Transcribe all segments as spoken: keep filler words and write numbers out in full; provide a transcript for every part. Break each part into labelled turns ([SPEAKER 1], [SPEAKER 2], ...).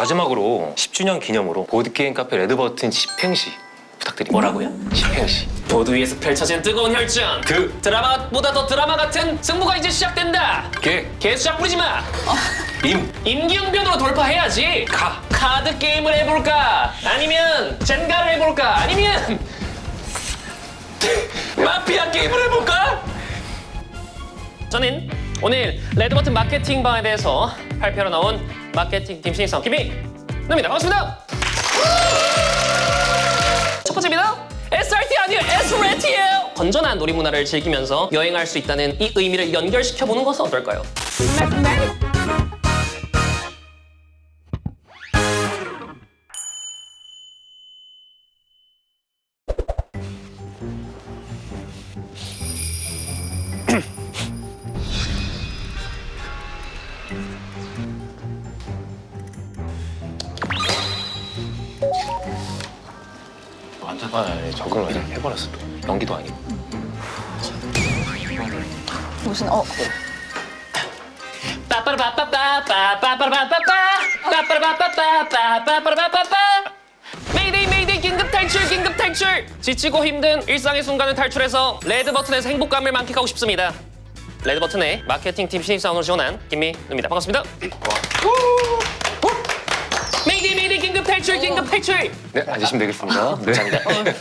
[SPEAKER 1] 마지막으로 십 주년 기념으로 보드게임 카페 레드버튼 집행시 부탁드립니다.
[SPEAKER 2] 뭐라고요?
[SPEAKER 1] 집행시.
[SPEAKER 2] 보드 위에서 펼쳐진 뜨거운 혈전.
[SPEAKER 1] 그
[SPEAKER 2] 드라마보다 더 드라마 같은 승부가 이제 시작된다.
[SPEAKER 1] 개,
[SPEAKER 2] 개수작 부리지 마.
[SPEAKER 1] 임,
[SPEAKER 2] 임기응변으로 돌파해야지.
[SPEAKER 1] 가.
[SPEAKER 2] 카드 게임을 해볼까? 아니면 젠가를 해볼까? 아니면 마피아 게임을 해볼까? 저는 오늘 레드버튼 마케팅방에 대해서 발표로 나온 마케팅 팀 신입사원 김희입니다. 반갑습니다. 첫 번째입니다. 에스알티 아니에요. 에스알티예요. 건전한 놀이문화를 즐기면서 여행할 수 있다는 이 의미를 연결시켜보는 것은 어떨까요?
[SPEAKER 1] 완전 아, 네, 적응을 그냥 해버렸어. 또. 연기도 아니고.
[SPEAKER 3] 무슨 어
[SPEAKER 2] 빠빠라빠빠빠빠빠빠라빠빠빠 메이데이 메이데이 긴급 탈출 긴급 탈출. 지치고 힘든 일상의 순간을 탈출해서 레드 버튼에서 행복감을 만끽하고 싶습니다. 레드 버튼의 마케팅 팀 신입사원으로 지원한 김민우입니다. 반갑습니다. 메이데이 메이데이 긴급 탈출 긴급 탈출.
[SPEAKER 1] 네, 앉으시면 되겠습니다. 네.
[SPEAKER 2] 감사합니다.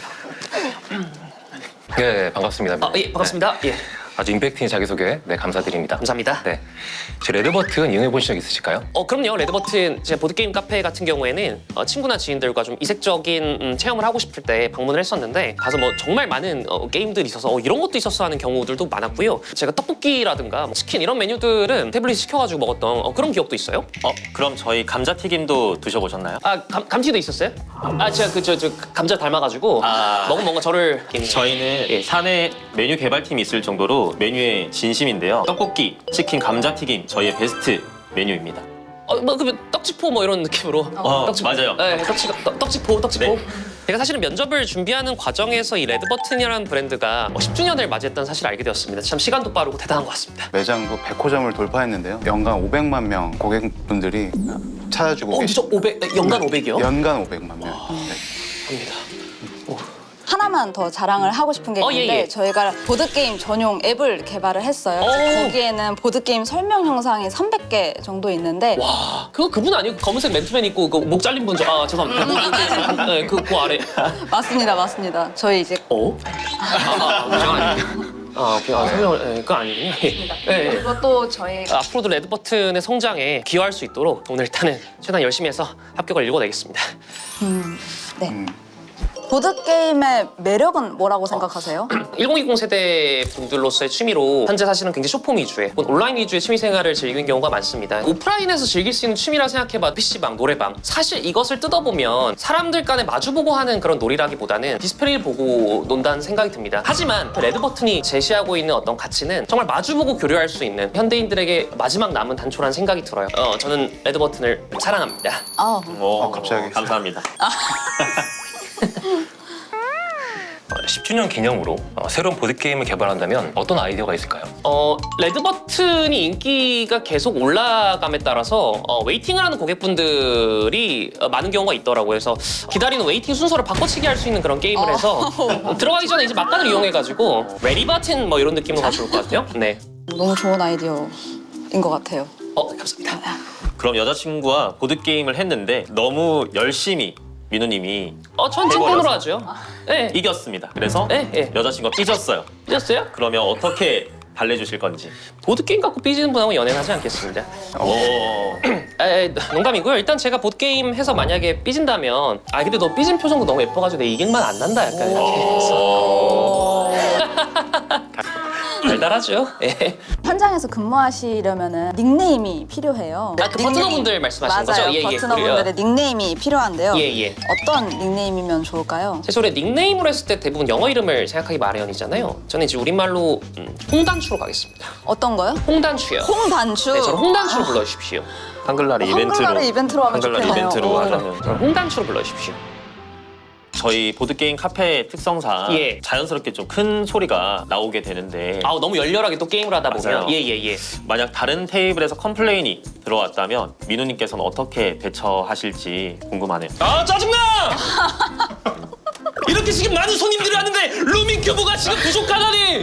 [SPEAKER 1] 네, 반갑습니다.
[SPEAKER 2] 아, 예, 반갑습니다. 예,
[SPEAKER 1] 아주 임팩트 있는 자기소개 네, 감사드립니다.
[SPEAKER 2] 감사합니다.
[SPEAKER 1] 네, 제 레드버튼 이용해 보신 적 있으실까요?
[SPEAKER 2] 어 그럼요. 레드버튼 제 보드게임 카페 같은 경우에는 어, 친구나 지인들과 좀 이색적인 음, 체험을 하고 싶을 때 방문을 했었는데 가서 뭐 정말 많은 어, 게임들이 있어서 어, 이런 것도 있었어 하는 경우들도 많았고요. 제가 떡볶이라든가 뭐 치킨 이런 메뉴들은 태블릿 시켜가지고 먹었던 어, 그런 기억도 있어요.
[SPEAKER 4] 어, 그럼 저희 감자튀김도 드셔보셨나요?
[SPEAKER 2] 아 감, 감튀도 있었어요? 아 제가 그 저 저 감자 닮아가지고
[SPEAKER 4] 아.
[SPEAKER 2] 먹은 뭔가 저를
[SPEAKER 4] 저희는
[SPEAKER 2] 예.
[SPEAKER 4] 사내 메뉴 개발팀이 있을 정도로 메뉴에 진심인데요. 떡볶이, 치킨, 감자튀김 저희의 베스트 메뉴입니다.
[SPEAKER 2] 어뭐 그 떡치포 뭐 이런 느낌으로
[SPEAKER 4] 어,
[SPEAKER 2] 떡치포.
[SPEAKER 4] 맞아요.
[SPEAKER 2] 네, 떡치 떡, 떡치포 떡치포.
[SPEAKER 4] 네.
[SPEAKER 2] 제가 사실은 면접을 준비하는 과정에서 이 레드버튼이라는 브랜드가 뭐 십 주년을 맞이했다는 사실을 알게 되었습니다. 참 시간도 빠르고 대단한 것 같습니다.
[SPEAKER 5] 매장도 백 호점을 돌파했는데요. 연간 오백만 명 고객분들이 찾아주고
[SPEAKER 2] 어,
[SPEAKER 5] 계시
[SPEAKER 2] 진짜 오백 연간 오백이요?
[SPEAKER 5] 연간 오백만 명. 네.
[SPEAKER 2] 합니다.
[SPEAKER 3] 하나만 더 자랑을 하고 싶은 게
[SPEAKER 2] 어,
[SPEAKER 3] 있는데
[SPEAKER 2] 예, 예.
[SPEAKER 3] 저희가 보드게임 전용 앱을 개발을 했어요.
[SPEAKER 2] 오.
[SPEAKER 3] 거기에는 보드게임 설명 영상이 삼백 개 정도 있는데
[SPEAKER 2] 와, 그거 그분 아니고 검은색 맨투맨 입고 그 목 잘린 분 저, 아 죄송합니다. 네, 그, 그 아래.
[SPEAKER 3] 맞습니다, 맞습니다. 저희 이제
[SPEAKER 2] 어? 아, 그거 아니에요. 아, 오케이. 아, 설명을, 네, 그거 아니군요. 예, 예.
[SPEAKER 3] 그것도 저희
[SPEAKER 2] 앞으로도 레드버튼의 성장에 기여할 수 있도록 오늘 일단은 최대한 열심히 해서 합격을 일궈내겠습니다.
[SPEAKER 3] 네.
[SPEAKER 5] 음.
[SPEAKER 3] 보드게임의 매력은 뭐라고 생각하세요?
[SPEAKER 2] 천이십 세대 분들로서의 취미로 현재 사실은 굉장히 쇼폼 위주의 온라인 위주의 취미 생활을 즐기는 경우가 많습니다. 오프라인에서 즐길 수 있는 취미라 생각해봐 피시방, 노래방. 사실 이것을 뜯어보면 사람들 간에 마주보고 하는 그런 놀이라기보다는 디스플레이를 보고 논다는 생각이 듭니다. 하지만 레드버튼이 제시하고 있는 어떤 가치는 정말 마주보고 교류할 수 있는 현대인들에게 마지막 남은 단초라는 생각이 들어요. 어, 저는 레드버튼을 사랑합니다.
[SPEAKER 3] 아,
[SPEAKER 4] 오,
[SPEAKER 5] 어, 갑자기.
[SPEAKER 4] 감사합니다.
[SPEAKER 1] 어, 십 주년 기념으로 어, 새로운 보드게임을 개발한다면 어떤 아이디어가 있을까요?
[SPEAKER 2] 어, 레드버튼이 인기가 계속 올라감에 따라서 어, 웨이팅을 하는 고객분들이 어, 많은 경우가 있더라고요. 그래서 기다리는 웨이팅 순서를 바꿔치기 할 수 있는 그런 게임을 해서 어, 들어가기 전에 이제 막간을 이용해가지고 레디버튼 뭐 이런 느낌으로 가져올 것 같아요. 네.
[SPEAKER 3] 너무 좋은 아이디어인 것 같아요.
[SPEAKER 2] 어, 감사합니다.
[SPEAKER 4] 그럼 여자친구와 보드게임을 했는데 너무 열심히 민우님이
[SPEAKER 2] 어, 전 찐텐으로 하죠. 네.
[SPEAKER 4] 이겼습니다. 그래서
[SPEAKER 2] 네, 네.
[SPEAKER 4] 여자친구가 삐졌어요.
[SPEAKER 2] 삐졌어요?
[SPEAKER 4] 그러면 어떻게 달래주실 건지.
[SPEAKER 2] 보드게임 갖고 삐지는 분하고 연애는 하지 않겠습니다.
[SPEAKER 4] 오.
[SPEAKER 2] 에, 에, 농담이고요. 일단 제가 보드게임 해서 만약에 삐진다면 아 근데 너 삐진 표정도 너무 예뻐가지고 내 이길만 안 난다 약간 이렇게 해서 달달하죠. 예.
[SPEAKER 3] 현장에서 근무하시려면 닉네임이 필요해요.
[SPEAKER 2] 아, 그 버트너분들 말씀하시는
[SPEAKER 3] 맞아요.
[SPEAKER 2] 거죠? 예, 예.
[SPEAKER 3] 버트너분들의 닉네임이 필요한데요.
[SPEAKER 2] 예, 예.
[SPEAKER 3] 어떤 닉네임이면 좋을까요?
[SPEAKER 2] 제 소리에 닉네임으로 했을 때 대부분 영어 이름을 생각하기 마련이잖아요. 저는 이제 우리말로 음, 홍단추로 가겠습니다.
[SPEAKER 3] 어떤 거요?
[SPEAKER 2] 홍단추요.
[SPEAKER 3] 홍단추.
[SPEAKER 2] 네, 저를 홍단추로 불러주십시오.
[SPEAKER 4] 한글날의 이벤트로.
[SPEAKER 3] 한글날의 이벤트로 하면
[SPEAKER 4] 한글날
[SPEAKER 3] 좋겠네요.
[SPEAKER 4] 이벤트로
[SPEAKER 3] 어.
[SPEAKER 4] 하자면.
[SPEAKER 2] 저를 홍단추로 불러주십시오.
[SPEAKER 4] 저희 보드게임 카페 특성상
[SPEAKER 2] 예.
[SPEAKER 4] 자연스럽게 좀 큰 소리가 나오게 되는데
[SPEAKER 2] 아 너무 열렬하게 또 게임을 하다 보면
[SPEAKER 4] 맞아요.
[SPEAKER 2] 예예예. 예, 예.
[SPEAKER 4] 만약 다른 테이블에서 컴플레인이 들어왔다면 민우님께서는 어떻게 대처하실지 궁금하네요.
[SPEAKER 2] 아 짜증나! 이렇게 지금 많은 손님들이 왔는데 루밍 규모가 지금 부족하다니!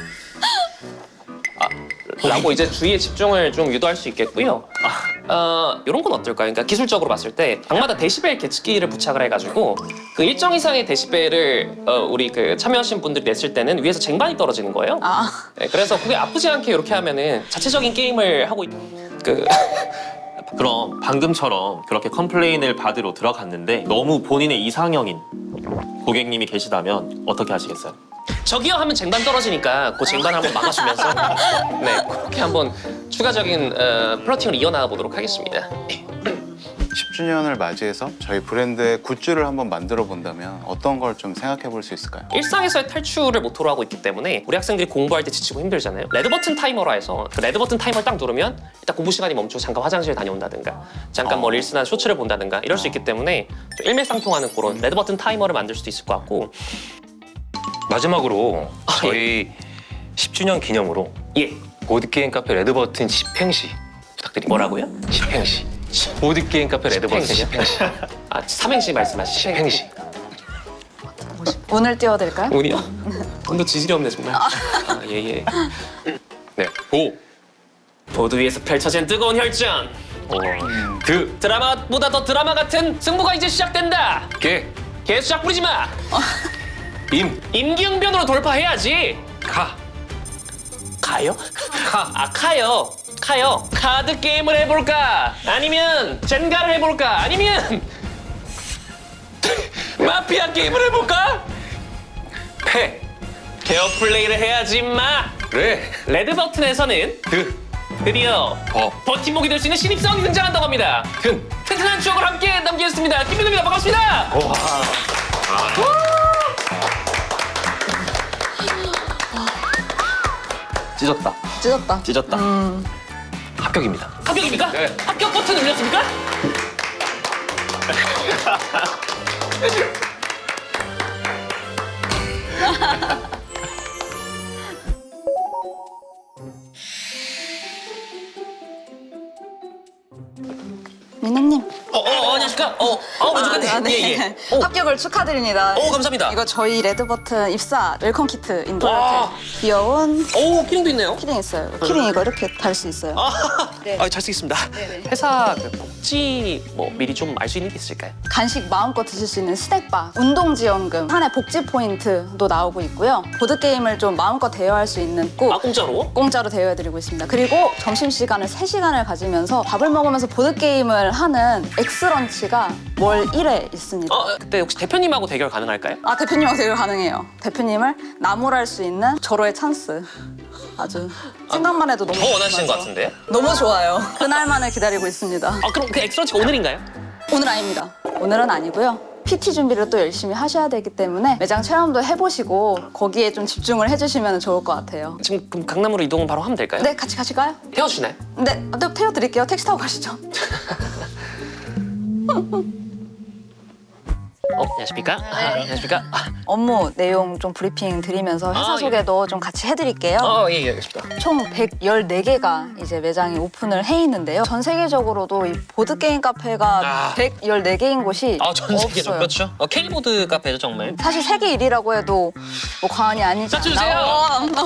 [SPEAKER 2] 아, 라고 이제 주의의 집중을 좀 유도할 수 있겠고요. 아, 어, 이런 건 어떨까요? 그러니까 기술적으로 봤을 때 방마다 데시벨 계측기를 부착을 해가지고 그 일정 이상의 데시벨을 어, 우리 그 참여하신 분들이 냈을 때는 위에서 쟁반이 떨어지는 거예요.
[SPEAKER 3] 아,
[SPEAKER 2] 네, 그래서 그게 아프지 않게 이렇게 하면은 자체적인 게임을 하고 있... 그
[SPEAKER 4] 그럼 방금처럼 그렇게 컴플레인을 받으러 들어갔는데 너무 본인의 이상형인 고객님이 계시다면 어떻게 하시겠어요?
[SPEAKER 2] 저기요 하면 쟁반 떨어지니까 그 쟁반 한번 막아주면서 네 그렇게 한번 추가적인 어, 플러팅을 이어나가 보도록 하겠습니다.
[SPEAKER 5] 십 주년을 맞이해서 저희 브랜드의 굿즈를 한번 만들어 본다면 어떤 걸 좀 생각해 볼 수 있을까요?
[SPEAKER 2] 일상에서의 탈출을 모토로 하고 있기 때문에 우리 학생들이 공부할 때 지치고 힘들잖아요. 레드 버튼 타이머라 해서 그 레드 버튼 타이머를 딱 누르면 일단 공부 시간이 멈추고 잠깐 화장실 다녀온다든가 잠깐 뭐 릴스나 쇼츠를 본다든가 이럴 수 있기 때문에 좀 일맥상통하는 그런 레드 버튼 타이머를 만들 수도 있을 것 같고
[SPEAKER 1] 마지막으로
[SPEAKER 2] 아,
[SPEAKER 1] 저희 십 주년 기념으로
[SPEAKER 2] 예
[SPEAKER 1] 보드게임 카페 레드버튼 집행시 부탁드립니다.
[SPEAKER 2] 뭐라고요?
[SPEAKER 1] 집행시. 보드게임 카페 레드버튼
[SPEAKER 2] 집행시요?
[SPEAKER 1] 집행시.
[SPEAKER 2] 아 삼행시 말씀하시죠.
[SPEAKER 1] 집행시.
[SPEAKER 3] 운을 띄워드릴까요?
[SPEAKER 2] 운이요? 운도 지질이 없네 정말. 아, 예예.
[SPEAKER 1] 네. 보.
[SPEAKER 2] 보드 위에서 펼쳐진 뜨거운 혈전.
[SPEAKER 1] 어. 드.
[SPEAKER 2] 드라마보다 더 드라마 같은 승부가 이제 시작된다.
[SPEAKER 1] 게.
[SPEAKER 2] 개수작 부리지 마.
[SPEAKER 1] 임.
[SPEAKER 2] 임기응변으로 돌파해야지.
[SPEAKER 1] 가.
[SPEAKER 2] 가요? 카. 아 카요. 카요. 카드 게임을 해볼까? 아니면 젠가를 해볼까? 아니면 마피아 게임을 해볼까?
[SPEAKER 1] 패.
[SPEAKER 2] 페어 플레이를 해야지 임마.
[SPEAKER 1] 레.
[SPEAKER 2] 레드 버튼에서는
[SPEAKER 1] 드.
[SPEAKER 2] 드디어
[SPEAKER 1] 버.
[SPEAKER 2] 버팀목이 될 수 있는 신입사원이 등장한다고 합니다.
[SPEAKER 1] 튼.
[SPEAKER 2] 튼튼한 추억을 함께 남기겠습니다. 김민우입니다. 반갑습니다.
[SPEAKER 1] 와.
[SPEAKER 4] 찢었다.
[SPEAKER 3] 찢었다.
[SPEAKER 4] 찢었다.
[SPEAKER 1] 합격입니다.
[SPEAKER 2] 합격입니까?
[SPEAKER 1] 네.
[SPEAKER 2] 합격 버튼 눌렸습니까?
[SPEAKER 3] 민우님.
[SPEAKER 2] 어, 어, 어, 안녕하십니까? 어, 어, 먼저 갔네.
[SPEAKER 3] 아, 네.
[SPEAKER 2] 예, 예. 어,
[SPEAKER 3] 합격을 축하드립니다.
[SPEAKER 2] 오, 감사합니다.
[SPEAKER 3] 이거 저희 레드버튼 입사 웰컴 키트인데
[SPEAKER 2] 와.
[SPEAKER 3] 이렇게 귀여운
[SPEAKER 2] 오, 키링도 있네요.
[SPEAKER 3] 키링 있어요. 키링 이거 이렇게 달 수 있어요.
[SPEAKER 2] 아,
[SPEAKER 3] 네.
[SPEAKER 2] 아, 잘 쓰겠습니다.
[SPEAKER 3] 네네.
[SPEAKER 2] 회사 그 복지 뭐 미리 좀 알 수 있는 게 있을까요?
[SPEAKER 3] 간식 마음껏 드실 수 있는 스낵바, 운동지원금, 한 해 복지 포인트도 나오고 있고요. 보드게임을 좀 마음껏 대여할 수 있는 꼭
[SPEAKER 2] 아, 공짜로?
[SPEAKER 3] 공짜로 대여해드리고 있습니다. 그리고 점심시간을 세 시간을 가지면서 밥을 먹으면서 보드게임을 하는 엑스런치가 월 일 회 있습니다.
[SPEAKER 2] 어, 그때 혹시 대표님하고 대결 가능할까요?
[SPEAKER 3] 아, 대표님하고 대결 가능해요. 대표님을 나무랄 수 있는 절호의 찬스. 아주 생각만 해도 너무
[SPEAKER 2] 더 원하시는 것
[SPEAKER 3] 좋아서.
[SPEAKER 2] 같은데?
[SPEAKER 3] 너무 좋아요. 그날만을 기다리고 있습니다.
[SPEAKER 2] 아, 그럼 그 엑스런치가 오늘인가요?
[SPEAKER 3] 오늘 아닙니다. 오늘은 아니고요. 피티 준비를 또 열심히 하셔야 되기 때문에 매장 체험도 해보시고 거기에 좀 집중을 해주시면 좋을 것 같아요.
[SPEAKER 2] 지금 그럼 강남으로 이동 바로 하면 될까요?
[SPEAKER 3] 네, 같이 가실까요?
[SPEAKER 2] 태워주나요?
[SPEAKER 3] 네, 네 태워드릴게요. 택시 타고 가시죠.
[SPEAKER 2] 어, 안녕하십니까? 아, 안녕하십니까? 아,
[SPEAKER 3] 업무 내용 좀 브리핑 드리면서 회사
[SPEAKER 2] 아, 예.
[SPEAKER 3] 소개도 좀 같이 해드릴게요.
[SPEAKER 2] 어, 예, 예, 알겠습니다.
[SPEAKER 3] 총 백십사 개가 이제 매장이 오픈을 해 있는데요. 전 세계적으로도 이 보드게임 카페가
[SPEAKER 2] 아.
[SPEAKER 3] 백십사 개인 곳이
[SPEAKER 2] 아, 전 세계죠.
[SPEAKER 3] 없어요.
[SPEAKER 2] 그렇죠. 어, K보드 카페죠, 정말.
[SPEAKER 3] 사실 세계 일 위라고 해도 뭐 과언이 아니지
[SPEAKER 2] 자, 주세요.
[SPEAKER 3] 않나.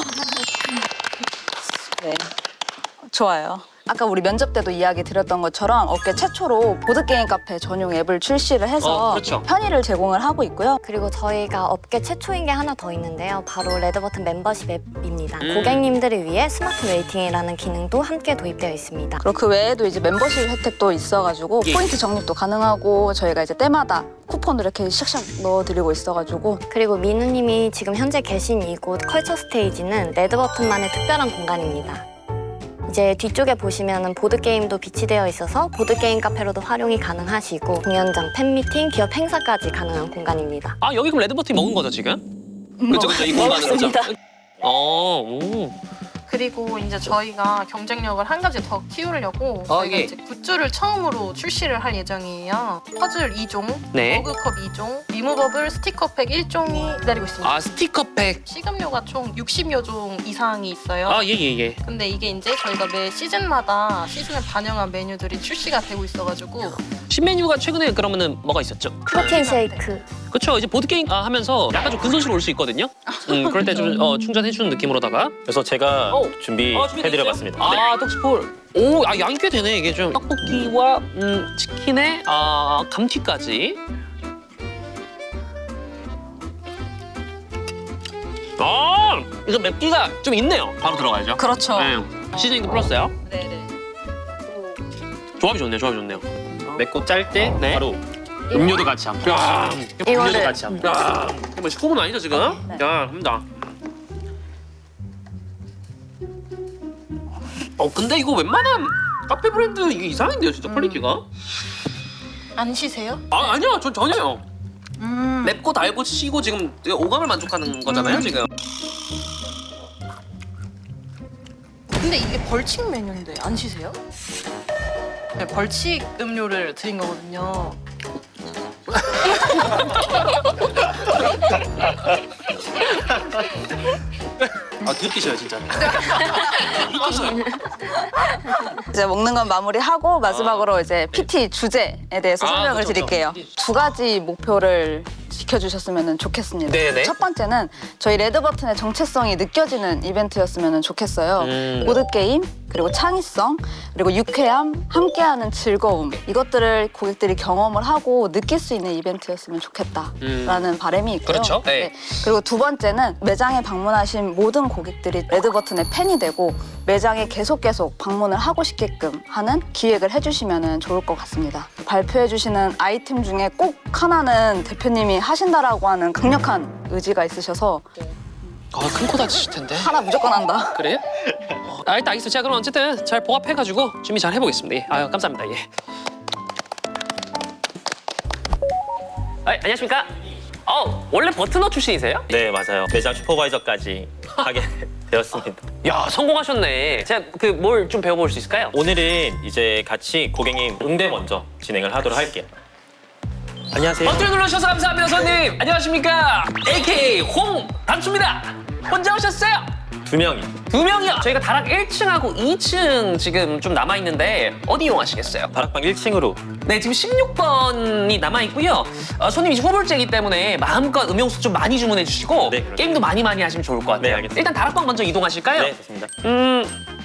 [SPEAKER 3] 네, 좋아요. 아까 우리 면접 때도 이야기 드렸던 것처럼 업계 최초로 보드게임 카페 전용 앱을 출시를 해서
[SPEAKER 2] 어, 그렇죠.
[SPEAKER 3] 편의를 제공을 하고 있고요.
[SPEAKER 6] 그리고 저희가 업계 최초인 게 하나 더 있는데요. 바로 레드버튼 멤버십 앱입니다.
[SPEAKER 2] 음.
[SPEAKER 6] 고객님들을 위해 스마트 웨이팅이라는 기능도 함께 도입되어 있습니다.
[SPEAKER 3] 그리고 그 외에도 이제 멤버십 혜택도 있어가지고
[SPEAKER 2] 예.
[SPEAKER 3] 포인트 적립도 가능하고 저희가 이제 때마다 쿠폰을 이렇게 샥샥 넣어드리고 있어가지고
[SPEAKER 6] 그리고 민우님이 지금 현재 계신 이곳 컬처 스테이지는 레드버튼만의 특별한 공간입니다. 이제 뒤쪽에 보시면은 보드게임도 비치되어 있어서 보드게임 카페로도 활용이 가능하시고 공연장, 팬미팅, 기업 행사까지 가능한 공간입니다.
[SPEAKER 2] 아, 여기 그럼 레드버튼이 먹은 거죠, 지금? 그렇죠, 그렇죠. 이 공간은 그렇죠.
[SPEAKER 3] 먹었습니다.
[SPEAKER 2] 어, 오.
[SPEAKER 7] 그리고 이제 저희가 경쟁력을 한 가지 더 키우려고
[SPEAKER 2] 어,
[SPEAKER 7] 저희가
[SPEAKER 2] 예.
[SPEAKER 7] 이제 굿즈를 처음으로 출시를 할 예정이에요. 퍼즐 이 종,
[SPEAKER 2] 네.
[SPEAKER 7] 머그컵 이 종, 리무버블 스티커팩 일 종이 기다리고 있습니다.
[SPEAKER 2] 아 스티커팩.
[SPEAKER 7] 시급료가 총 육십여 종 이상이 있어요.
[SPEAKER 2] 아 예예 예.
[SPEAKER 7] 근데 이게 이제 저희가 매 시즌마다 시즌을 반영한 메뉴들이 출시가 되고 있어가지고
[SPEAKER 2] 신메뉴가 최근에 그러면은 뭐가 있었죠?
[SPEAKER 6] 프로틴 쉐이크.
[SPEAKER 2] 그렇죠. 이제 보드 게임 아, 하면서 약간 좀 근손실 올 수 있거든요. 음 그럴 때 좀 어, 충전해주는 느낌으로다가.
[SPEAKER 4] 그래서 제가
[SPEAKER 2] 어.
[SPEAKER 4] 준비해드려봤습니다.
[SPEAKER 2] 아 떡스폴. 오, 아 양이 꽤 되네 이게 좀. 떡볶이와 음, 치킨에 아 감튀까지. 아 이거 맵기가 좀 있네요. 바로 들어가야죠.
[SPEAKER 3] 그렇죠.
[SPEAKER 2] 네. 시즈닝도 플러스요.
[SPEAKER 3] 네네.
[SPEAKER 2] 조합이 좋네요. 조합이 좋네요.
[SPEAKER 4] 맵고 짤 때
[SPEAKER 2] 네.
[SPEAKER 4] 바로 음료도 같이 함께.
[SPEAKER 2] 야, 음료도
[SPEAKER 6] 이거를-
[SPEAKER 2] 같이 함께. 야, 이거 뭐 식품은 아니죠 지금?
[SPEAKER 3] 네.
[SPEAKER 2] 야, 합니다. 어, 근데 이거 웬만한 카페 브랜드 이게 이상한데요, 진짜 퀄리티가?
[SPEAKER 7] 안 쉬세요?
[SPEAKER 2] 아, 아니요, 전 전혀요.
[SPEAKER 3] 음.
[SPEAKER 2] 맵고 달고 시고 지금 오감을 만족하는 거잖아요, 지금.
[SPEAKER 7] 근데 이게 벌칙 메뉴인데 안 쉬세요? 네, 벌칙 음료를 드린 거거든요.
[SPEAKER 2] 아, 들키셔요, 진짜.
[SPEAKER 3] 이제 먹는 건 마무리하고 마지막으로 이제 피티 주제에 대해서
[SPEAKER 2] 아,
[SPEAKER 3] 설명을
[SPEAKER 2] 그렇죠,
[SPEAKER 3] 드릴게요.
[SPEAKER 2] 그렇죠.
[SPEAKER 3] 두 가지 목표를 지켜주셨으면 좋겠습니다.
[SPEAKER 2] 네네.
[SPEAKER 3] 첫 번째는 저희 레드버튼의 정체성이 느껴지는 이벤트였으면 좋겠어요.
[SPEAKER 2] 음.
[SPEAKER 3] 보드게임, 그리고 창의성, 그리고 유쾌함, 함께하는 즐거움 이것들을 고객들이 경험을 하고 느낄 수 있는 이벤트였으면 좋겠다라는
[SPEAKER 2] 음.
[SPEAKER 3] 바람이 있고요.
[SPEAKER 2] 그렇죠. 네.
[SPEAKER 3] 그리고 두 번째는 매장에 방문하신 모든 고객들이 레드버튼의 팬이 되고 매장에 계속 계속 방문을 하고 싶게끔 하는 기획을 해주시면 좋을 것 같습니다. 발표해주시는 아이템 중에 꼭 하나는 대표님이 하신다라고 하는 강력한 의지가 있으셔서
[SPEAKER 2] 아, 큰 코 다치실 텐데.
[SPEAKER 3] 하나 무조건 한다.
[SPEAKER 2] 그래요? 어, 아, 일단 알겠습니다. 제가 그럼 어쨌든 잘 보합해가지고 준비 잘 해보겠습니다. 예. 아유, 감사합니다. 예. 아, 안녕하십니까? 어, 원래 버트너 출신이세요?
[SPEAKER 4] 네, 맞아요. 매장 슈퍼바이저까지 하게 되었습니다.
[SPEAKER 2] 야, 성공하셨네. 제가 그 뭘 좀 배워볼 수 있을까요?
[SPEAKER 4] 오늘은 이제 같이 고객님 응대 먼저 진행을 하도록 할게요. 안녕하세요.
[SPEAKER 2] 버튼 눌러주셔서 감사합니다, 손님. 안녕하십니까? 에이케이 홍 단추입니다. 혼자 오셨어요?
[SPEAKER 4] 두 명이.
[SPEAKER 2] 두 명이요. 저희가 다락 일 층하고 이 층 지금 좀 남아 있는데 어디 이용하시겠어요?
[SPEAKER 4] 다락방 일 층으로.
[SPEAKER 2] 네, 지금 십육 번이 남아 있고요. 어, 손님이 후불제이기 때문에 마음껏 음용수 좀 많이 주문해 주시고
[SPEAKER 4] 네, 그렇죠.
[SPEAKER 2] 게임도 많이 많이 하시면 좋을 것 같아요.
[SPEAKER 4] 네, 알겠습니다.
[SPEAKER 2] 일단 다락방 먼저 이동하실까요?
[SPEAKER 4] 네, 좋습니다.
[SPEAKER 2] 음,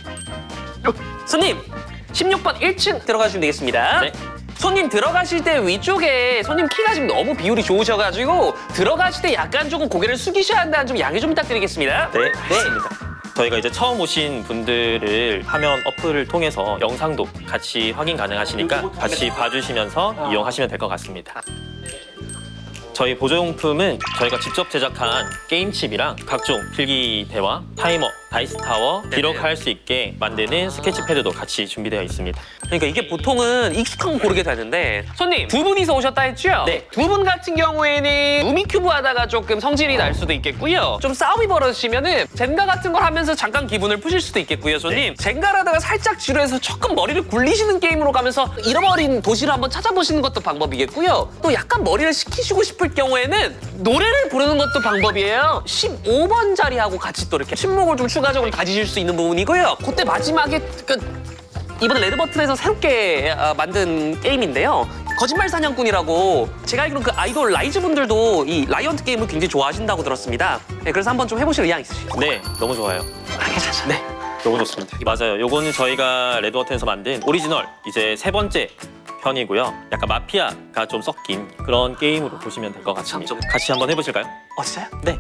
[SPEAKER 2] 손님 십육 번 일 층 들어가시면 되겠습니다.
[SPEAKER 4] 네.
[SPEAKER 2] 손님 들어가실 때 위쪽에 손님 키가 지금 너무 비율이 좋으셔가지고 들어가실 때 약간 조금 고개를 숙이셔야 한다는 좀 양해 좀 부탁드리겠습니다.
[SPEAKER 4] 네, 맞습니다. 저희가 이제 처음 오신 분들을 화면 어플을 통해서 영상도 같이 확인 가능하시니까 같이 봐주시면서 이용하시면 될 것 같습니다. 저희 보조용품은 저희가 직접 제작한 게임칩이랑 각종 필기대와 타이머, 다이스타워, 기록할 수 있게 만드는 스케치패드도 같이 준비되어 있습니다.
[SPEAKER 2] 그러니까 이게 보통은 익숙한 거 고르게 되는데 손님 두 분이서 오셨다 했죠?
[SPEAKER 4] 네.
[SPEAKER 2] 두 분 같은 경우에는 루미큐브 하다가 조금 성질이 날 수도 있겠고요. 좀 싸움이 벌어지면은 젠가 같은 걸 하면서 잠깐 기분을 푸실 수도 있겠고요, 손님. 젠가를 하다가 살짝 지루해서 조금 머리를 굴리시는 게임으로 가면서 잃어버린 도시를 한번 찾아보시는 것도 방법이겠고요. 또 약간 머리를 식히시고 싶을 경우에는 노래를 부르는 것도 방법이에요. 십오 번 자리하고 같이 또 이렇게 침묵을 좀 추가적으로 가지실 수 있는 부분이고요. 그때 마지막에 그 이번에 레드버튼에서 새롭게 아, 만든 게임인데요. 거짓말 사냥꾼이라고 제가 알기로 그 아이돌 라이즈 분들도 이 라이언트 게임을 굉장히 좋아하신다고 들었습니다. 네, 그래서 한번 좀 해보실 의향 있으시죠?
[SPEAKER 4] 네, 너무 좋아요.
[SPEAKER 2] 아, 괜찮죠. 네.
[SPEAKER 4] 너무 좋습니다. 맞아요. 요거는 저희가 레드버튼에서 만든 오리지널 이제 세 번째 편이고요. 약간 마피아가 좀 섞인 그런 게임으로 보시면 될 것 같습니다.
[SPEAKER 2] 참, 좀-
[SPEAKER 4] 같이 한번 해보실까요?
[SPEAKER 2] 어, 진짜요?
[SPEAKER 4] 네.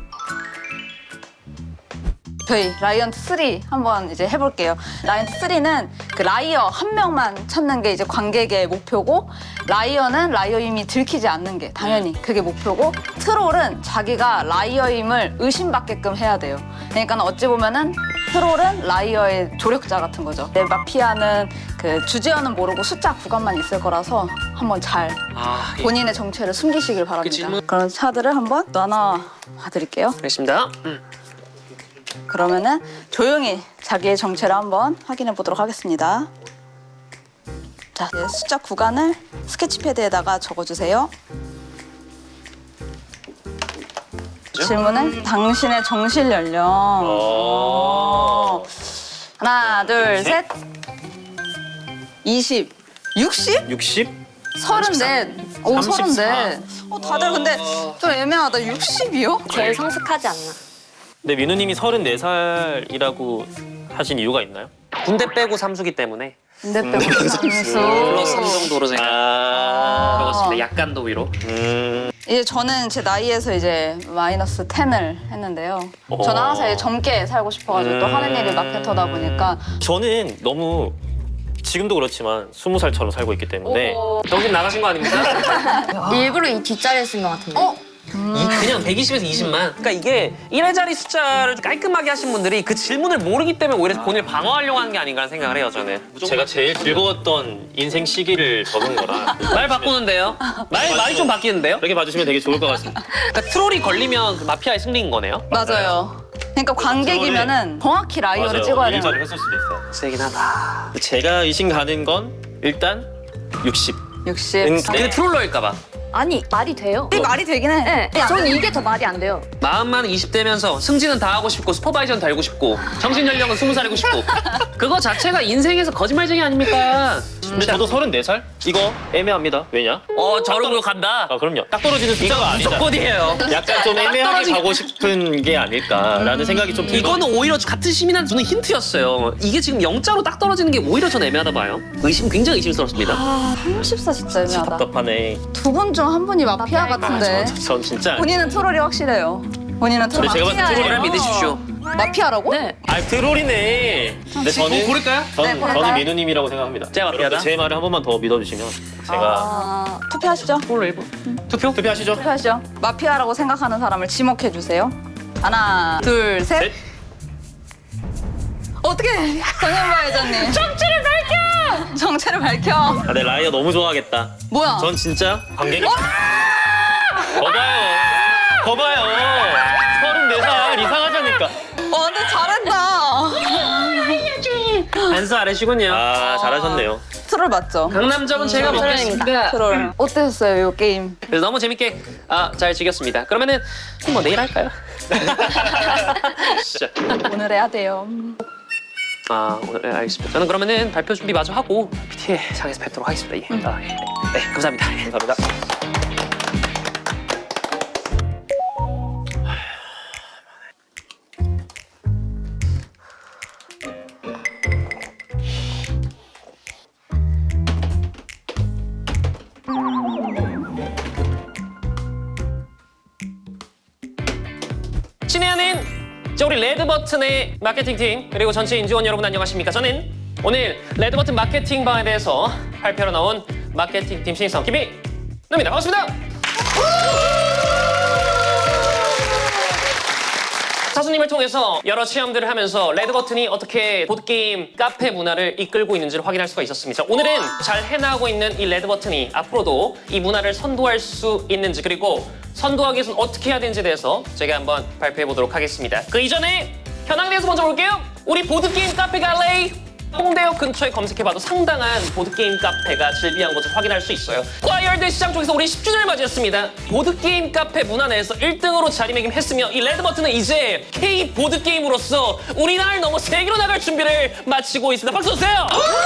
[SPEAKER 3] 저희 라이언트 쓰리 한번 이제 해볼게요. 라이언트 쓰리는 그 라이어 한 명만 찾는 게 이제 관객의 목표고 라이어는 라이어임이 들키지 않는 게 당연히 그게 목표고 트롤은 자기가 라이어임을 의심받게끔 해야 돼요. 그러니까 어찌 보면은 트롤은 라이어의 조력자 같은 거죠. 내 마피아는 그 주제어는 모르고 숫자 구간만 있을 거라서 한번 잘
[SPEAKER 2] 아, 예.
[SPEAKER 3] 본인의 정체를 숨기시길 바랍니다.
[SPEAKER 2] 질문.
[SPEAKER 3] 그런 차들을 한번 나눠 봐드릴게요.
[SPEAKER 2] 알겠습니다. 음.
[SPEAKER 3] 그러면은 조용히 자기의 정체를 한번 확인해 보도록 하겠습니다. 자, 이제 숫자 구간을 스케치패드에다가 적어주세요. 질문은 당신의 정실 연령. 어. 하나, 둘, 셋. 이십. 육십?
[SPEAKER 4] 육십?
[SPEAKER 3] 서른넷. 오,
[SPEAKER 4] 삼십사.
[SPEAKER 3] 서른넷. 어, 다들 근데 좀 애매하다. 육십이요?
[SPEAKER 6] 제일 성숙하지 않나.
[SPEAKER 4] 근데 민우님이 서른네 살이라고 하신 이유가 있나요?
[SPEAKER 2] 군대 빼고 삼수기 때문에
[SPEAKER 3] 근데 빼고 삼수.
[SPEAKER 2] 플러스 삼 정도로 제가
[SPEAKER 4] 아,
[SPEAKER 2] 적었습니다. 약간 더 위로.
[SPEAKER 4] 음,
[SPEAKER 3] 이제 저는 제 나이에서 이제 마이너스 텐을 했는데요. 저는 항상 이제 젊게 살고 싶어가지고 또
[SPEAKER 4] 음.
[SPEAKER 3] 하는 일이 마케터다 보니까
[SPEAKER 4] 저는 너무 지금도 그렇지만 스무 살처럼 살고 있기 때문에
[SPEAKER 2] 정신 나가신 거 아닙니까?
[SPEAKER 6] 일부러 이 뒷자리를 쓴 것 같은데.
[SPEAKER 3] 어?
[SPEAKER 2] 이 그냥 백이십에서 이십만. 그러니까 이게 일의 자리 숫자를 깔끔하게 하신 분들이 그 질문을 모르기 때문에 오히려 본인을 방어하려고 하는 게 아닌가 라는 생각을 해요, 저는.
[SPEAKER 4] 제가 제일 즐거웠던 인생 시기를 적은 거라
[SPEAKER 2] 말 바꾸는데요? 말, 말이 좀 바뀌는데요?
[SPEAKER 4] 이렇게 봐주시면 되게 좋을 것 같습니다.
[SPEAKER 2] 그러니까 트롤이 걸리면 그 마피아의 승리인 거네요?
[SPEAKER 3] 맞아요. 그러니까 관객이면은 정확히 라이어를
[SPEAKER 4] 맞아요.
[SPEAKER 3] 찍어야 되는
[SPEAKER 4] 일자를
[SPEAKER 3] 거예요.
[SPEAKER 4] 했을 수도 있어요.
[SPEAKER 2] 세긴 하다.
[SPEAKER 4] 제가 의심 가는 건 일단 육십.
[SPEAKER 3] 육십.
[SPEAKER 4] 음,
[SPEAKER 2] 근데 트롤러일까 봐.
[SPEAKER 6] 아니 말이 돼요.
[SPEAKER 3] 이 말이 되긴 해.
[SPEAKER 6] 네, 저는 이게 더 말이 안 돼요.
[SPEAKER 2] 마음만 이십 대면서 승진은 다 하고 싶고 슈퍼바이저는 달고 싶고 정신 연령은 스무 살이고 싶고 그거 자체가 인생에서 거짓말쟁이 아닙니까?
[SPEAKER 4] 근데 저도 서른네 살? 이거 애매합니다. 왜냐?
[SPEAKER 2] 어 저러고 간다.
[SPEAKER 4] 아 그럼요. 딱 떨어지는 숫자가 아니다.
[SPEAKER 2] 무조건이에요.
[SPEAKER 4] 약간 좀 애매하게
[SPEAKER 2] 떨어지-
[SPEAKER 4] 가고 싶은 게 아닐까라는 생각이 좀 들거든요.
[SPEAKER 2] 이거는 오히려 같은 시민한테 주는 힌트였어요. 이게 지금 영자로 딱 떨어지는 게 오히려 전 애매하다 봐요. 의심 굉장히 의심스럽습니다.
[SPEAKER 3] 아, 삼십사 진짜 애매하다.
[SPEAKER 4] 답답하네.
[SPEAKER 3] 두 분 중 한 분이 마피아 같은데.
[SPEAKER 4] 저, 전 진짜
[SPEAKER 3] 본인은 트롤이 확실해요. 본인은 트롤.
[SPEAKER 4] 근데 제가 봤을 때
[SPEAKER 3] 마피아예요.
[SPEAKER 2] 저를 믿으십시오.
[SPEAKER 3] 마피아라고?
[SPEAKER 6] 네.
[SPEAKER 4] 아 트롤이네. 근데 저는
[SPEAKER 2] 고를까요?
[SPEAKER 4] 전,
[SPEAKER 3] 네, 고를까요?
[SPEAKER 4] 저는 민우님이라고 생각합니다.
[SPEAKER 2] 제가 마피아다?
[SPEAKER 4] 여러분들 제 말을 한 번만 더 믿어주시면 제가
[SPEAKER 3] 아, 투표하시죠.
[SPEAKER 2] 홀로 일 분. 투표?
[SPEAKER 4] 투표하시죠.
[SPEAKER 3] 투표하시죠. 마피아라고 생각하는 사람을 지목해 주세요. 하나, 둘, 셋.
[SPEAKER 4] 셋.
[SPEAKER 3] 어떻게 정현바 회장님? 정체를 밝혀. 정체를 밝혀.
[SPEAKER 4] 아, 내 라이어 너무 좋아하겠다.
[SPEAKER 3] 뭐야?
[SPEAKER 4] 전 진짜 관객이. 거봐요. 거봐요. 서른네 살 이상하자니까.
[SPEAKER 3] 어, 근데 잘한다.
[SPEAKER 2] 안수 아래시군요.
[SPEAKER 4] 아 잘하셨네요.
[SPEAKER 3] 트롤 맞죠?
[SPEAKER 2] 강남점은 제가 먹겠습니다.
[SPEAKER 3] 트롤. 어땠어요, 이 게임?
[SPEAKER 2] 그래서 너무 재밌게 아, 잘 즐겼습니다. 그러면은 뭐 내일 할까요? 진짜.
[SPEAKER 3] 오늘 해야 돼요.
[SPEAKER 2] 아 오늘 네, 알겠습니다. 저는 그러면은 발표 준비 마저 하고 피티에 장에서 뵙도록 하겠습니다. 예. 아, 예. 네, 감사합니다. 예.
[SPEAKER 4] 감사합니다.
[SPEAKER 2] 친애하는 저 우리 레드버튼의 마케팅팀 그리고 전체 인지원 여러분 안녕하십니까? 저는 오늘 레드버튼 마케팅방에 대해서 발표로 나온 마케팅팀 신입사원 김희노입니다. 반갑습니다. 사수님을 통해서 여러 체험들을 하면서 레드버튼이 어떻게 보드게임 카페 문화를 이끌고 있는지를 확인할 수가 있었습니다. 오늘은 잘 해나가고 있는 이 레드버튼이 앞으로도 이 문화를 선도할 수 있는지 그리고 선도하기 위해서는 어떻게 해야 되는지에 대해서 제가 한번 발표해 보도록 하겠습니다. 그 이전에 현황에 대해서 먼저 볼게요. 우리 보드게임 카페 갈레이 홍대역 근처에 검색해봐도 상당한 보드게임 카페가 즐비한 것을 확인할 수 있어요. 과이월드 시장 쪽에서 우리 십 주년을 맞이했습니다. 보드게임 카페 문화 내에서 일 등으로 자리매김했으며 이 레드버튼은 이제 K 보드게임으로서 우리나라를 넘어 세계로 나갈 준비를 마치고 있습니다. 박수 주세요!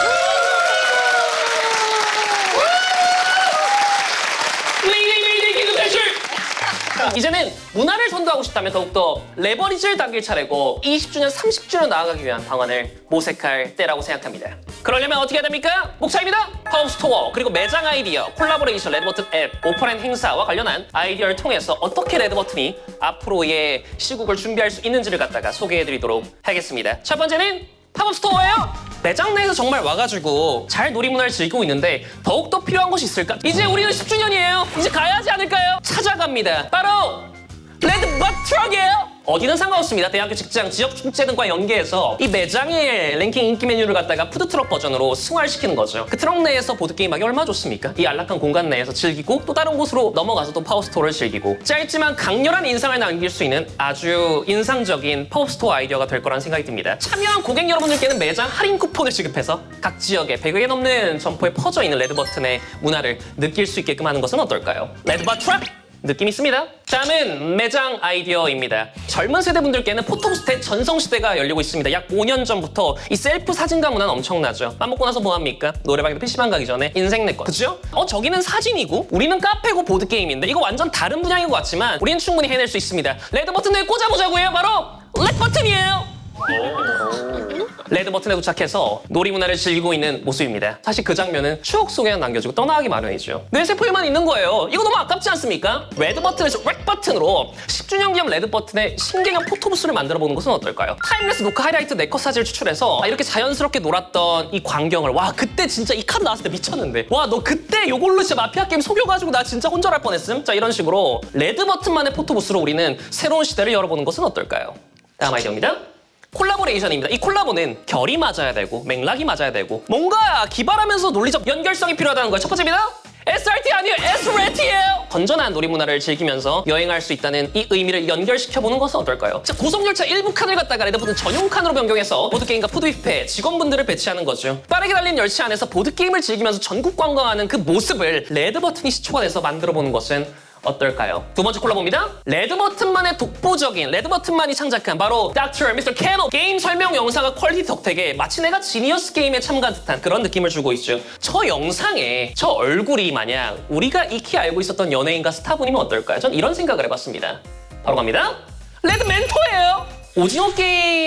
[SPEAKER 2] 이제는 문화를 선도하고 싶다면 더욱더 레버리지를 당길 차례고 이십 주년, 삼십 주년 나아가기 위한 방안을 모색할 때라고 생각합니다. 그러려면 어떻게 해야 됩니까? 목차입니다. 팝업 스토어, 그리고 매장 아이디어, 콜라보레이션, 레드버튼 앱, 오프라인 행사와 관련한 아이디어를 통해서 어떻게 레드버튼이 앞으로의 시국을 준비할 수 있는지를 갖다가 소개해드리도록 하겠습니다. 첫 번째는 팝업 스토어예요. 매장 내에서 정말 와가지고 잘 놀이문화를 즐기고 있는데 더욱더 필요한 것이 있을까? 이제 우리는 십 주년이에요. 이제 가야 하지 않을까요? 찾아갑니다. 바로 레드버트럭이에요. 어디는 상관없습니다. 대학교, 직장, 지역 축제 등과 연계해서 이 매장의 랭킹 인기 메뉴를 갖다가 푸드트럭 버전으로 승화시키는 거죠. 그 트럭 내에서 보드게임하기 얼마나 좋습니까? 이 안락한 공간 내에서 즐기고 또 다른 곳으로 넘어가서 또 파워스토어를 즐기고 짧지만 강렬한 인상을 남길 수 있는 아주 인상적인 파워스토어 아이디어가 될 거란 생각이 듭니다. 참여한 고객 여러분들께는 매장 할인 쿠폰을 지급해서 각 지역에 백여 개 넘는 점포에 퍼져 있는 레드버튼의 문화를 느낄 수 있게끔 하는 것은 어떨까요? 레드버튼! 느낌 있습니다. 다음은 매장 아이디어입니다. 젊은 세대분들께는 포토부스트의 전성시대가 열리고 있습니다. 약 오 년 전부터 이 셀프 사진가 문화는 엄청나죠. 밥 먹고 나서 뭐합니까? 노래방에도 피시방 가기 전에 인생 내꺼. 그죠? 어 저기는 사진이고 우리는 카페고 보드게임인데 이거 완전 다른 분야인 것 같지만 우리는 충분히 해낼 수 있습니다. 레드버튼에 꽂아보자고요. 바로 레드버튼이에요. 레드 버튼에 도착해서 놀이 문화를 즐기고 있는 모습입니다. 사실 그 장면은 추억 속에만 남겨지고 떠나가기 마련이죠. 뇌세포에만 있는 거예요. 이거 너무 아깝지 않습니까? 레드 버튼에서 렉 버튼으로 십 주년 기념 레드 버튼의 신개념 포토부스를 만들어보는 것은 어떨까요? 타임레스 노크 하이라이트 네컷 사진을 추출해서 이렇게 자연스럽게 놀았던 이 광경을 와 그때 진짜 이 카드 나왔을 때 미쳤는데 와 너 그때 요걸로 진짜 마피아 게임 속여가지고 나 진짜 혼절할 뻔했음? 자 이런 식으로 레드 버튼만의 포토부스로 우리는 새로운 시대를 열어보는 것은 어떨까요? 다음 아이디어입니다. 콜라보레이션입니다. 이 콜라보는 결이 맞아야 되고 맥락이 맞아야 되고 뭔가 기발하면서 논리적 연결성이 필요하다는 거예요. 첫 번째입니다. 에스알티 아니에요. 에스알티예요. 건전한 놀이 문화를 즐기면서 여행할 수 있다는 이 의미를 연결시켜보는 것은 어떨까요? 자, 고속열차 일부 칸을 갖다가 레드버튼 전용 칸으로 변경해서 보드게임과 푸드 뷔페 직원분들을 배치하는 거죠. 빠르게 달리는 열차 안에서 보드게임을 즐기면서 전국 관광하는 그 모습을 레드버튼이 시초가 만들어보는 것은 어떨까요? 두 번째 콜라보입니다. 레드버튼만의 독보적인 레드버튼만이 창작한 바로 닥터 미스터 캐노 게임 설명 영상과 퀄리티 덕택에 마치 내가 지니어스 게임에 참가한 듯한 그런 느낌을 주고 있죠. 저 영상에 저 얼굴이 마냥 우리가 익히 알고 있었던 연예인과 스타분이면 어떨까요? 전 이런 생각을 해봤습니다. 바로 갑니다. 레드 멘토예요. 오징어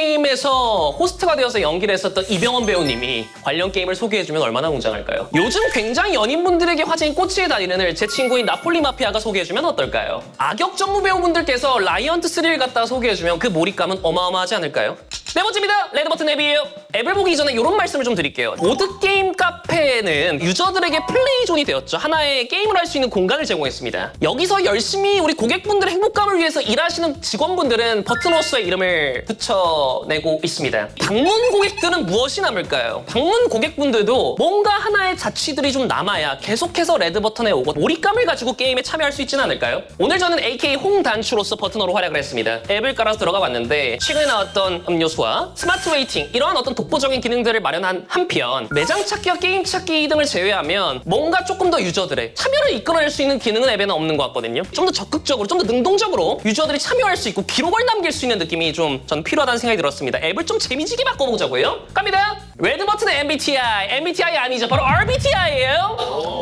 [SPEAKER 2] 게임에서 호스트가 되어서 연기를 했었던 이병헌 배우님이 관련 게임을 소개해주면 얼마나 웅장할까요? 요즘 굉장히 연인분들에게 화제인 꼬치의 달인을 제 친구인 나폴리 마피아가 소개해주면 어떨까요? 악역 전무 배우분들께서 라이언트 쓰리를 갖다가 소개해주면 그 몰입감은 어마어마하지 않을까요? 네 번째입니다. 레드버튼 앱이에요. 앱을 보기 전에 이런 말씀을 좀 드릴게요. 보드게임 카페는 유저들에게 플레이존이 되었죠. 하나의 게임을 할 수 있는 공간을 제공했습니다. 여기서 열심히 우리 고객분들의 행복감을 위해서 일하시는 직원분들은 버튼호스의 이름을 붙여내고 있습니다. 방문 고객들은 무엇이 남을까요? 방문 고객분들도 뭔가 하나의 자취들이 좀 남아야 계속해서 레드버튼에 오고 몰입감을 가지고 게임에 참여할 수 있지는 않을까요? 오늘 저는 에이케이 홍단추로서 버튼어로 활약을 했습니다. 앱을 깔아서 들어가 봤는데 최근에 나왔던 음료수와 스마트 웨이팅 이러한 어떤 독보적인 기능들을 마련한 한편 매장 찾기와 게임 찾기 등을 제외하면 뭔가 조금 더 유저들의 참여를 이끌어낼 수 있는 기능은 앱에는 없는 것 같거든요. 좀 더 적극적으로 좀 더 능동적으로 유저들이 참여할 수 있고 기록을 남길 수 있는 느낌이 좀 전 필요하다는 생각이 들었습니다. 앱을 좀 재미지게 바꿔보자고요. 갑니다. 레드버튼의 엠비티아이 엠비티아이 아니죠. 바로 알비티아이예요.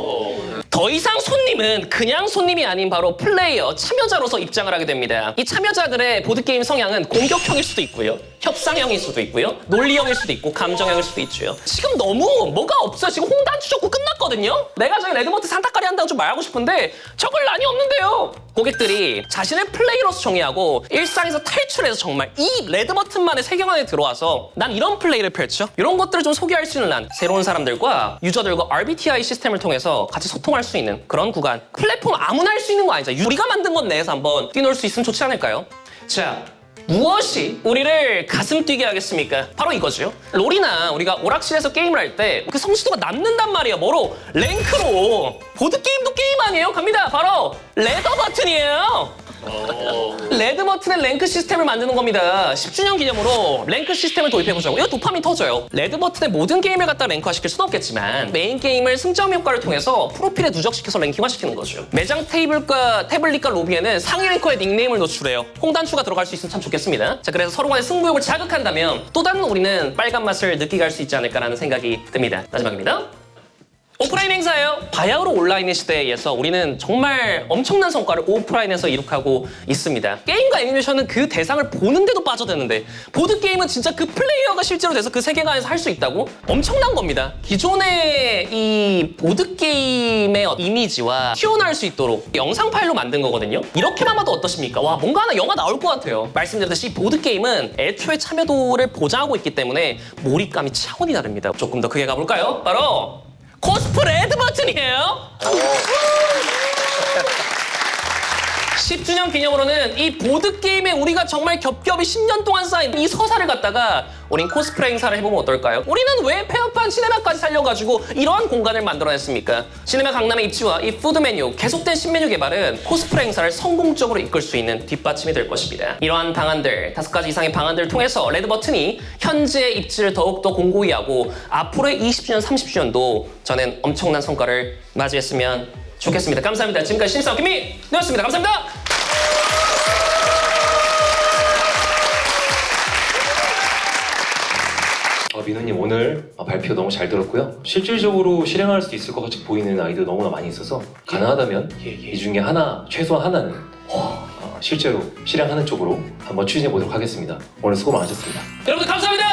[SPEAKER 2] 더 이상 손님은 그냥 손님이 아닌 바로 플레이어, 참여자로서 입장을 하게 됩니다. 이 참여자들의 보드게임 성향은 공격형일 수도 있고요. 협상형일 수도 있고요. 논리형일 수도 있고 감정형일 수도 있죠. 지금 너무 뭐가 없어요. 지금 홍단추 적고 끝났거든요. 내가 저희 레드버튼 산타까리 한다고 좀 말하고 싶은데 적을 난이 없는데요. 고객들이 자신을 플레이로서 정의하고 일상에서 탈출해서 정말 이 레드버튼만의 세계 안에 들어와서 난 이런 플레이를 펼쳐. 이런 것들을 좀 소개할 수 있는 난 새로운 사람들과 유저들과 알비티아이 시스템을 통해서 같이 소통할 수 있는 그런 구간. 플랫폼 아무나 할 수 있는 거 아니죠. 우리가 만든 것 내에서 한번 뛰놀 수 있으면 좋지 않을까요? 자, 무엇이 우리를 가슴 뛰게 하겠습니까? 바로 이거죠. 롤이나 우리가 오락실에서 게임을 할 때 그 성취도가 남는단 말이에요. 뭐로? 랭크로. 보드게임도 게임 아니에요? 갑니다. 바로 레더 버튼이에요. 레드 버튼의 랭크 시스템을 만드는 겁니다. 십 주년 기념으로 랭크 시스템을 도입해보자고. 이거 도파민 터져요. 레드 버튼의 모든 게임을 갖다 랭크화 시킬 수는 없겠지만 메인 게임을 승점 효과를 통해서 프로필에 누적시켜서 랭킹화 시키는 거죠. 매장 테이블과 태블릿과 로비에는 상위 랭커의 닉네임을 노출해요. 홍단추가 들어갈 수 있으면 참 좋겠습니다. 자, 그래서 서로 간의 승부욕을 자극한다면 또 다른 우리는 빨간 맛을 느끼게 할 수 있지 않을까라는 생각이 듭니다. 마지막입니다. 오프라인 행사예요. 바야흐로 온라인의 시대에서 우리는 정말 엄청난 성과를 오프라인에서 이룩하고 있습니다. 게임과 애니메이션은 그 대상을 보는데도 빠져드는데 보드게임은 진짜 그 플레이어가 실제로 돼서 그 세계관에서 할 수 있다고? 엄청난 겁니다. 기존의 이 보드게임의 이미지와 튀어나올 수 있도록 영상 파일로 만든 거거든요. 이렇게만 봐도 어떠십니까? 와, 뭔가 하나 영화 나올 것 같아요. 말씀드렸듯이 보드게임은 애초에 참여도를 보장하고 있기 때문에 몰입감이 차원이 다릅니다. 조금 더 크게 가볼까요? 바로 코스프 레드 버튼이에요. 십 주년 기념으로는 이 보드게임에 우리가 정말 겹겹이 십 년 동안 쌓인 이 서사를 갖다가 우린 코스프레 행사를 해보면 어떨까요? 우리는 왜 폐업한 시네마까지 살려가지고 이러한 공간을 만들어냈습니까? 시네마 강남의 입지와 이 푸드 메뉴, 계속된 신메뉴 개발은 코스프레 행사를 성공적으로 이끌 수 있는 뒷받침이 될 것입니다. 이러한 방안들, 다섯 가지 이상의 방안들을 통해서 레드버튼이 현재의 입지를 더욱더 공고히 하고 앞으로의 이십 주년, 삼십 주년도 저는 엄청난 성과를 맞이했으면 좋겠습니다. 감사합니다. 지금까지 신입사원 김민우였습니다. 감사합니다.
[SPEAKER 1] 어, 민우님 오늘 발표 너무 잘 들었고요. 실질적으로 실행할 수 있을 것 같이 보이는 아이디어 너무나 많이 있어서 가능하다면 이, 이 중에 하나, 최소한 하나는 어, 실제로 실행하는 쪽으로 한번 추진해 보도록 하겠습니다. 오늘 수고 많으셨습니다.
[SPEAKER 2] 여러분들 감사합니다.